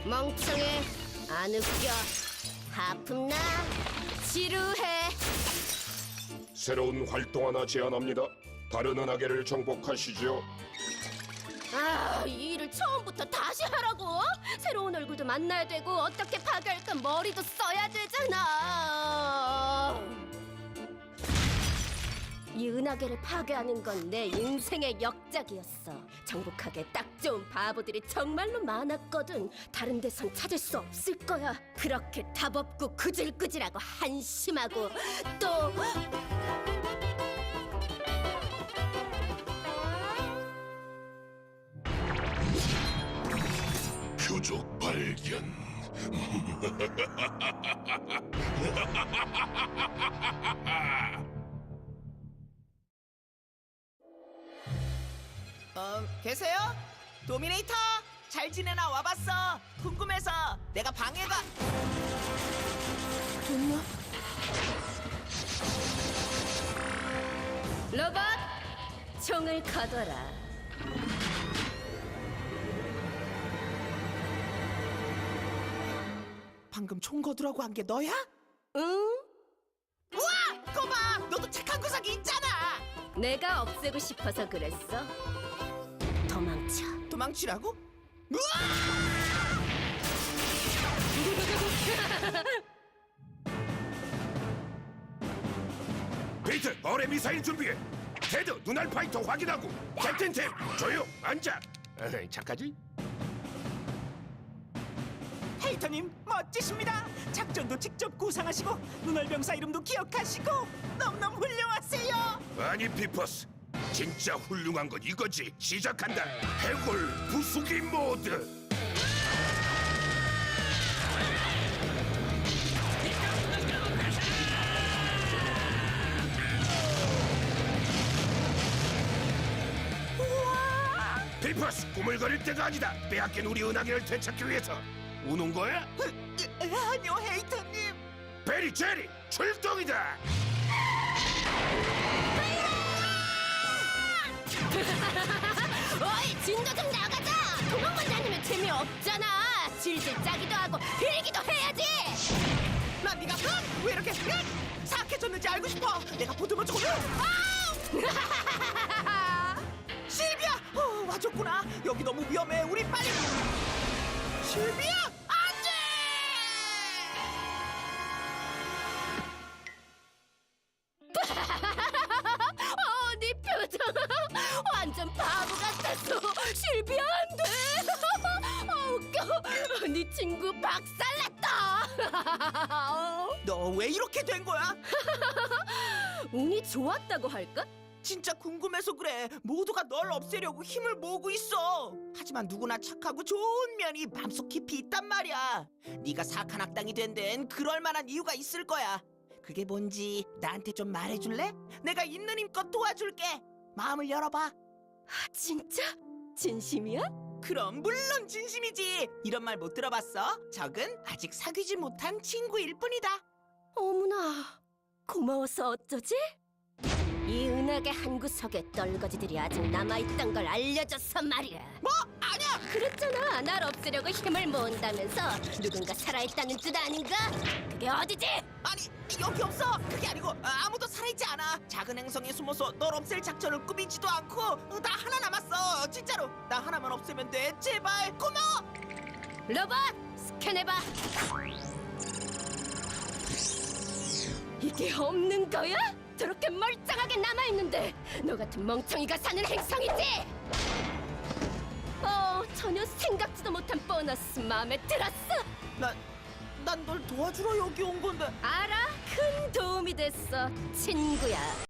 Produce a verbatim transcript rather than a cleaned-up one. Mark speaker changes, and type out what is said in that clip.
Speaker 1: 멍청해. 안 웃겨. 하품나. 지루해.
Speaker 2: 새로운 활동 하나 제안합니다. 다른 은하계를 정복하시죠.
Speaker 1: 아, 이 일을 처음부터 다시 하라고? 새로운 얼굴도 만나야 되고 어떻게 파괴할까 머리도 써야 되잖아. 이 은하계를 파괴하는 건 내 인생의 역작이었어. 정복하기에 딱 좋은 바보들이 정말로 많았거든. 다른 데선 찾을 수 없을 거야. 그렇게 답 없고 구질구질하고 한심하고 또
Speaker 2: 표적 발견.
Speaker 3: 어, 계세요? 도미네이터! 잘 지내나 와봤어. 궁금해서 내가 방해가... 됐나?
Speaker 1: 로봇 총을 거둬라.
Speaker 3: 방금 총 거두라고 한 게 너야?
Speaker 1: 응?
Speaker 3: 우와! 거봐! 너도 착한 구석이 있잖아!
Speaker 1: 내가 없애고 싶어서 그랬어. 도망쳐.
Speaker 3: 도망치라고? 우와!
Speaker 2: 베이트, 어뢰 미사일 준비해. 테드, 눈알 파이터 확인하고. 캡틴 템, 조용, 앉아. 에이, 착하지?
Speaker 3: 헤이터님 멋지십니다. 작전도 직접 구상하시고 눈알병사 이름도 기억하시고 너무너무 훌륭하세요.
Speaker 2: 아니, 피퍼스. 진짜 훌륭한 건 이거지. 시작한다. 해골 부수기 모드. 피퍼스, 꾸물거릴 때가 아니다. 빼앗긴 우리 은하계를 되찾기 위해서. 우는 거야?
Speaker 3: 으, 아니요 헤이터님.
Speaker 2: 베리, 제리, 출동이다.
Speaker 1: 어이, 진도 좀 나가자. 도망만 다니면 재미없잖아. 질질 짜기도 하고 빌기도 해야지.
Speaker 3: 난 네가 으, 왜 이렇게 으, 사악해졌는지 알고 싶어. 내가 보듬어 주고 실비야! 어, 와줬구나. 여기 너무 위험해. 우리 빨리. 실비야! 안돼!
Speaker 1: 어, 네 표정 완전 바보 같았어. 실비 안 돼. 아, 웃겨. 네 친구 박살났다.
Speaker 3: 너 왜 이렇게 된 거야?
Speaker 1: 운이 좋았다고 할까?
Speaker 3: 진짜 궁금해서 그래. 모두가 널 없애려고 힘을 모으고 있어. 하지만 누구나 착하고 좋은 면이 맘속 깊이 있단 말이야. 네가 사악한 악당이 된 데엔 그럴 만한 이유가 있을 거야. 그게 뭔지 나한테 좀 말해줄래? 내가 있는 힘껏 도와줄게. 마음을 열어봐.
Speaker 1: 진짜? 진심이야?
Speaker 3: 그럼 물론 진심이지. 이런 말 못 들어봤어? 적은 아직 사귀지 못한 친구일 뿐이다.
Speaker 1: 어머나, 고마워서 어쩌지? 이 은하계 한 구석에 떨거지들이 아직 남아있던 걸 알려줘서 말이야.
Speaker 3: 뭐? 아니야!
Speaker 1: 그랬잖아, 날 없애려고 힘을 모은다면서. 누군가 살아있다는 뜻 아닌가? 그게 어디지?
Speaker 3: 아니 여기 없어. 그게 아니고 아, 아무도 살아있지 않아. 작은 행성에 숨어서 널 없앨 작전을 꾸미지도 않고 어, 나 하나 남았어. 진짜로 나 하나만 없애면 돼. 제발 고마워.
Speaker 1: 로봇, 스캔해봐. 이게 없는 거야? 저렇게 멀쩡하게 남아있는데 너 같은 멍청이가 사는 행성이지? 어, 전혀 생각지도 못한 보너스 마음에 들었어.
Speaker 3: 난 난 널 도와주러 여기 온 건데.
Speaker 1: 알아? 큰 도움이 됐어, 친구야.